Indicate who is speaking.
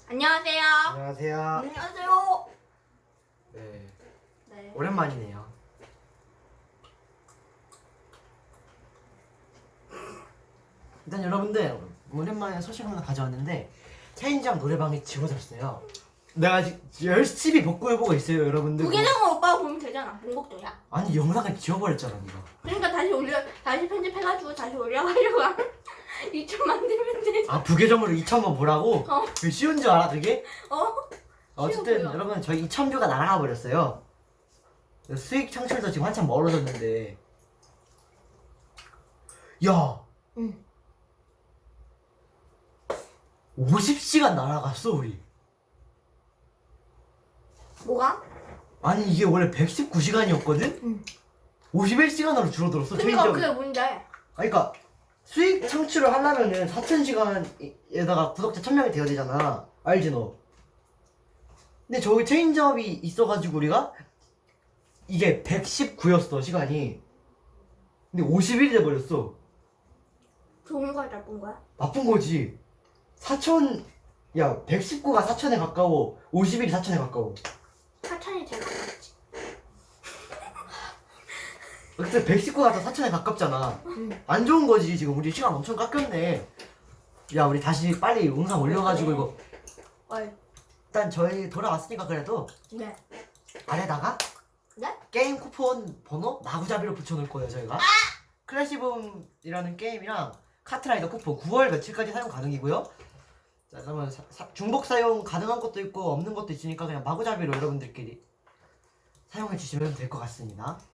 Speaker 1: 안녕하세요.
Speaker 2: 안녕하세요.
Speaker 1: 안녕하세요.
Speaker 2: 네,
Speaker 1: 네.
Speaker 2: 오랜만이네요. 일단 여러분들 오랜만에 소식 하나 가져왔는데 체인지랑 노래방이 지워졌어요. 내가 아직 열심히 복구해보고 있어요, 여러분들.
Speaker 1: 부계정은 오빠가 보면 되잖아. 공복도야.
Speaker 2: 아니 영상을 지워버렸잖아, 네가.
Speaker 1: 그러니까 다시 편집해가지고 다시 올려가려고 하면 2천 만들면 되지.
Speaker 2: 아 부계정으로 2,000번 보라고?
Speaker 1: 어.
Speaker 2: 그게 쉬운 줄 알아, 그게?
Speaker 1: 어?
Speaker 2: 어쨌든
Speaker 1: 쉬워 보여.
Speaker 2: 여러분 저희 2,000뷰가 날아가 버렸어요. 수익 창출도 지금 한참 멀어졌는데. 야.
Speaker 1: 응.
Speaker 2: 50시간 날아갔어 우리.
Speaker 1: 뭐가?
Speaker 2: 아니 이게 원래 119시간이었거든?
Speaker 1: 응.
Speaker 2: 51시간으로 줄어들었어.
Speaker 1: 그러니까
Speaker 2: 체인지업이.
Speaker 1: 그게 뭔데?
Speaker 2: 그러니까 수익 창출을 하려면은 4,000시간에다가 구독자 1,000명이 돼야 되잖아. 알지 너? 근데 저기 체인지업이 있어가지고 우리가 이게 119였어 시간이. 근데 51이 돼버렸어.
Speaker 1: 좋은 거야 나쁜 거야?
Speaker 2: 나쁜 거지. 4,000, 야 119가 4,000에 가까워. 51이 4,000에 가까워.
Speaker 1: 4천이 제일 가깝지.
Speaker 2: 근데 119가 더 4,000에 가깝잖아.
Speaker 1: 응.
Speaker 2: 안 좋은 거지. 지금 우리 시간 엄청 깎였네. 야 우리 다시 빨리 영상 올려가지고 이거
Speaker 1: 어이.
Speaker 2: 일단 저희 돌아왔으니까 그래도
Speaker 1: 네.
Speaker 2: 아래다가
Speaker 1: 네?
Speaker 2: 게임 쿠폰 번호 마구잡이로 붙여놓을 거예요 저희가. 클래시붐이라는 게임이랑 카트라이더 쿠폰 9월 며칠까지 사용 가능이고요. 자 그러면 중복 사용 가능한 것도 있고 없는 것도 있으니까 그냥 마구잡이로 여러분들끼리 사용해 주시면 될 것 같습니다.